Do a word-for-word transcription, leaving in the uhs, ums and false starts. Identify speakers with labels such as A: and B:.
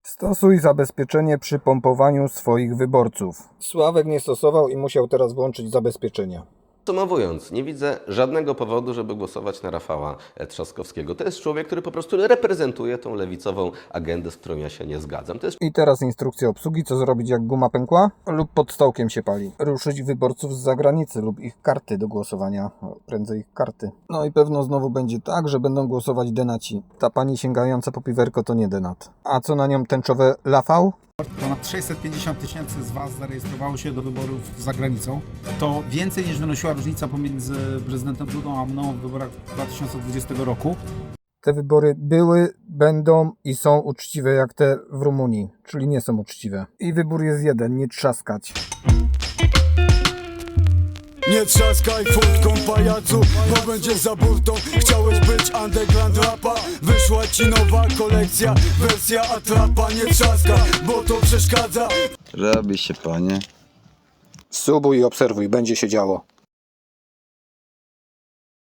A: Stosuj zabezpieczenie przy pompowaniu swoich wyborców. Sławek nie stosował i musiał teraz włączyć zabezpieczenia.
B: Podsumowując, nie widzę żadnego powodu, żeby głosować na Rafała Trzaskowskiego. To jest człowiek, który po prostu reprezentuje tą lewicową agendę, z którą ja się nie zgadzam. To jest...
A: I teraz instrukcja obsługi, co zrobić jak guma pękła lub pod stołkiem się pali. Ruszyć wyborców z zagranicy lub ich karty do głosowania, o, prędzej ich karty. No i pewno znowu będzie tak, że będą głosować denaci. Ta pani sięgająca po piwerko to nie denat. A co na nią tęczowe lafał?
C: Ponad sześćset pięćdziesiąt tysięcy z Was zarejestrowało się do wyborów za granicą. To więcej niż wynosiła różnica pomiędzy prezydentem Dudą a mną w wyborach dwa tysiące dwudziestego roku.
A: Te wybory były, będą i są uczciwe jak te w Rumunii, czyli nie są uczciwe. I wybór jest jeden, nie trzaskać.
D: Nie trzaskaj furtką pajacu, bo będzie za burtą. Chciałeś być underground rapa, wyszła ci nowa kolekcja, wersja atrapa. Nie trzaskaj, bo to przeszkadza.
E: Robi się, panie.
A: Subuj i obserwuj, będzie się działo.